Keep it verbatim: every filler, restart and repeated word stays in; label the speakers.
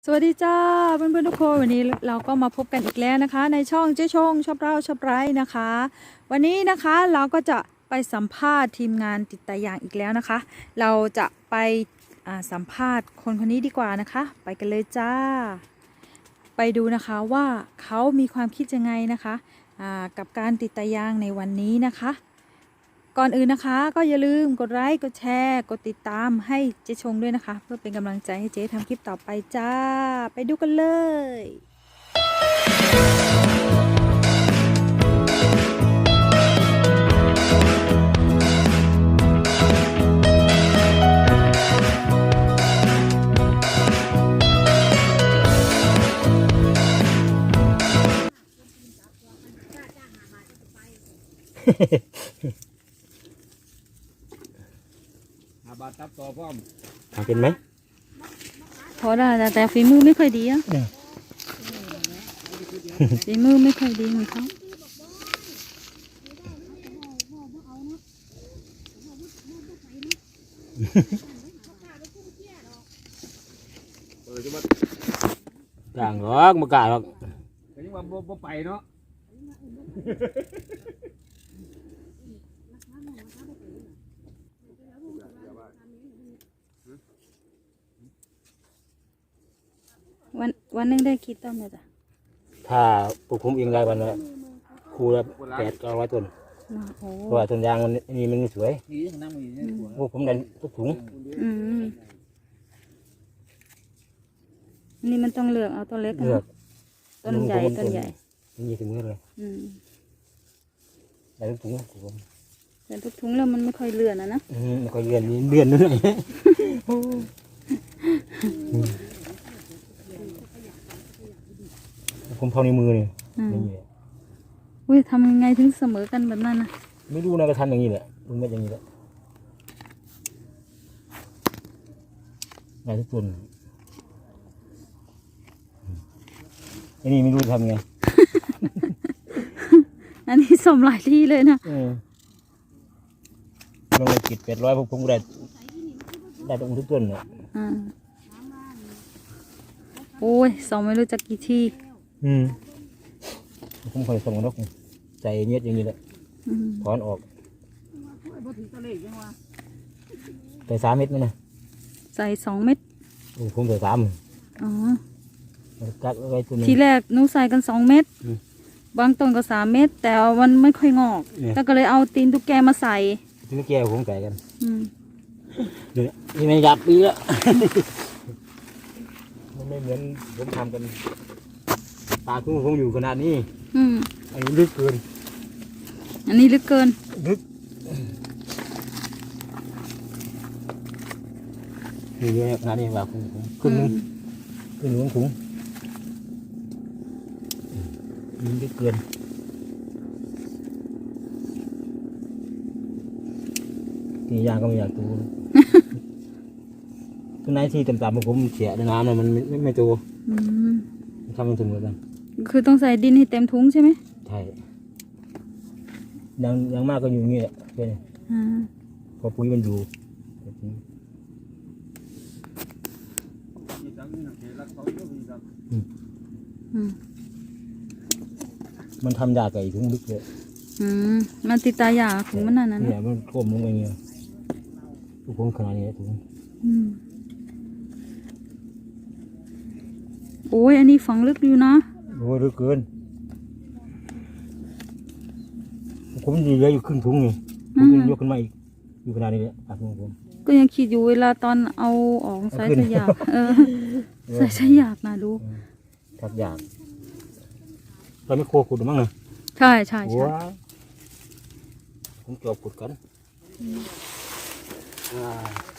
Speaker 1: สวัสดีจ้าเพื่อนๆทุกคนวันนี้เราก็มาพบกันอีกแล้วนะคะ ในช่องเจ๊ชงชอบเล่าชอบไร้นะคะ วันนี้นะคะเราก็จะไปสัมภาษณ์ทีมงานติดตายางอีกแล้วนะคะ เราจะไปสัมภาษณ์คนคนนี้ดีกว่านะคะ ไปกันเลยจ้า ไปดูนะคะว่าเขามีความคิดยังไงนะคะกับการติดตายางในวันนี้นะคะก่อนอื่นนะคะก็อย่าลืมกดไลค์กดแชร์กดติดตามให้เจ๊ชงด้วยนะคะเพื่อเป็นกำลังใจให้เจ๊ทำคลิปต่อไปจ้าไปดูกันเลย
Speaker 2: บาตับต่อพร้อม
Speaker 3: ทำเป็นไหม
Speaker 1: พอได้แต่ฝีมือไม่ค่อยดีอ่ะฝีมือไม่ค่อยดีเหมือนเขา
Speaker 3: อย่างหรอกมากาหรอก
Speaker 2: แต่ยังว่าบ่ไปเนาะ
Speaker 1: วันวันนึงได้กี่ต้นเลยจ้ะ
Speaker 3: ถ้าปลูกผมเองได้วันละคูละแปดก็ร้อยต้นเพราะว่าต้นยางมันนี่มันสวยพวกผมได้ทุกถุง
Speaker 1: อืมนี่มันต้องเลือกเอาต้นเล็กนะต้นใหญ่ต้นใหญ่
Speaker 3: นี่ถึงเมื่อเลยได้ทุกถุงผม
Speaker 1: แต่ทุกถุงแล้วมันไม่ค่อยเลื่อนนะนะ
Speaker 3: ไม่ค่อยเลื่อนนี่เลื่อนนั่นเองผมเท่าในมือเนี่ย
Speaker 1: อุ้ยทำยังไงถึงเสมอกันแบบนั้นนะ
Speaker 3: ไม่รู้นะก็ทำอย่างนี้แหละลุงไม่อย่างนี้แหละได้ทุกต้นอันนี้ไม่รู้ทำไง
Speaker 1: อันนี้สมหลายที่เลยนะ
Speaker 3: ลงไปกิดแปดร้อยพวกผมได้ได้ตรงทุกต้นเลย
Speaker 1: โอ้ยสองไม่รู้จักกี่ที่
Speaker 3: อืมผมเคยส่งนกใส่เน็ตอย่างนี้แหละถอนออกใส่สามเม็ดไหมนะ
Speaker 1: ใส่สองเม็ด
Speaker 3: โอ้ผมใส่สาม
Speaker 1: อ๋อ
Speaker 3: กักไว้ตัวนึง
Speaker 1: ทีแรกหนูใส่กันสองเม็ดบางต้นก็สามเม็ดแต่มันไม่ค่อยงอกแล้วก็เลยเอาตีนตุ๊กแกมาใส่
Speaker 3: ตีนตุ๊กแกผมใส่กันเดี๋ยวนี่ไม่ยับปีแล้วมันไม่เหมือนผมทำกันตาคุ้งคงอยู่ขนาดนี้
Speaker 1: อืม
Speaker 3: อันนี้ลึกเกิน
Speaker 1: อันนี้ลึกเกิน
Speaker 3: ลึกนี่เยอะขนาดนี้ว่าคุ้งขึ้นนึงขึ้นหลวงคุ้งนี่ลึกเกินนี่ยางก็ไม่อยากตูต้นไม้ที่ต่ำๆผมเสียในน้ำเลยมันไม่ไม่โตทำมันถึงเลยกัน
Speaker 1: คือต้องใส่ดินให้เต็มถุงใช่ไหม
Speaker 3: ใช่ยังยังมากก็อยู่อย่างนี้แหละใช่ไหมพอปุ๋ยมันอยู่มันทำยาไก่ถึงลึกเลย
Speaker 1: มันติดตายาถุงมันนั่นน่ะ
Speaker 3: เนี่ยมันท่วมลงไปเงี้ยทุกคนขนาดนี้ถุง
Speaker 1: โอ้ยอันนี้ฝังลึกอยู่นะ
Speaker 3: โอ้ยลึกเกินผมยืนเยอะอยู่ครึ่งถุงนี่ผมยกขึ้นมาอีกอยู่ขนาดนี้เลยอ่ะผม
Speaker 1: ก็ยังคิดอยู่เวลาตอนเอาออกใส่สยากเออใส่สยากนะดู
Speaker 3: ทักอยากตอนนี้โคขุดมั้งนะ
Speaker 1: ใช่ใช่ใช่
Speaker 3: ผมจอบขุดกัน